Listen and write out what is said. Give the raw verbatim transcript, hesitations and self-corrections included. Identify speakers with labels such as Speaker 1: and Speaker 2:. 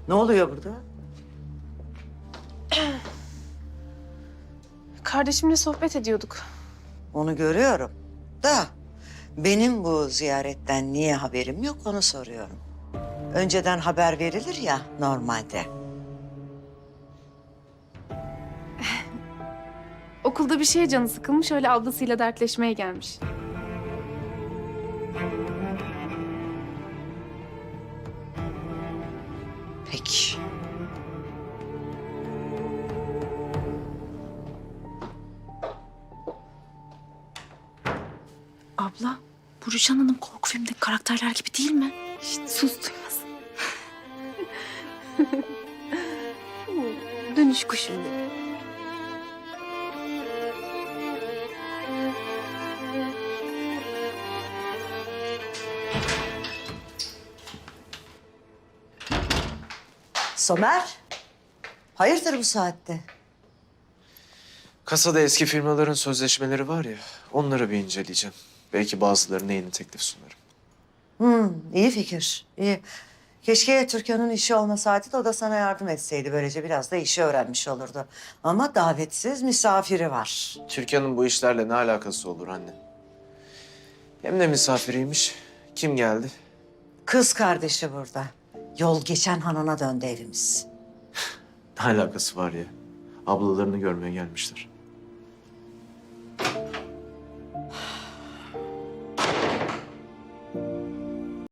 Speaker 1: Ne oluyor burada?
Speaker 2: Kardeşimle sohbet ediyorduk.
Speaker 1: Onu görüyorum. Da benim bu ziyaretten niye haberim yok onu soruyorum. Önceden haber verilir ya normalde.
Speaker 2: Okulda bir şeye canı sıkılmış, öyle ablasıyla dertleşmeye gelmiş.
Speaker 1: Peki.
Speaker 3: Abla, bu Rüçhan Hanım korku filmindeki karakterler gibi değil mi?
Speaker 2: Şişt, sus duymasın. Dönüş kuşum benim.
Speaker 1: Somer, hayırdır bu saatte?
Speaker 4: Kasada eski firmaların sözleşmeleri var ya, onları bir inceleyeceğim. Belki bazılarına yeni teklif sunarım.
Speaker 1: Hmm, iyi fikir, iyi. Keşke Türkan'ın işi olmasaydı da o da sana yardım etseydi. Böylece biraz da işi öğrenmiş olurdu. Ama davetsiz misafiri var.
Speaker 4: Türkan'ın bu işlerle ne alakası olur anne? Hem de misafiriymiş. Kim geldi?
Speaker 1: Kız kardeşi burada. Yol geçen hanına döndü evimiz.
Speaker 4: Ne alakası var ya? Ablalarını görmeye gelmişler.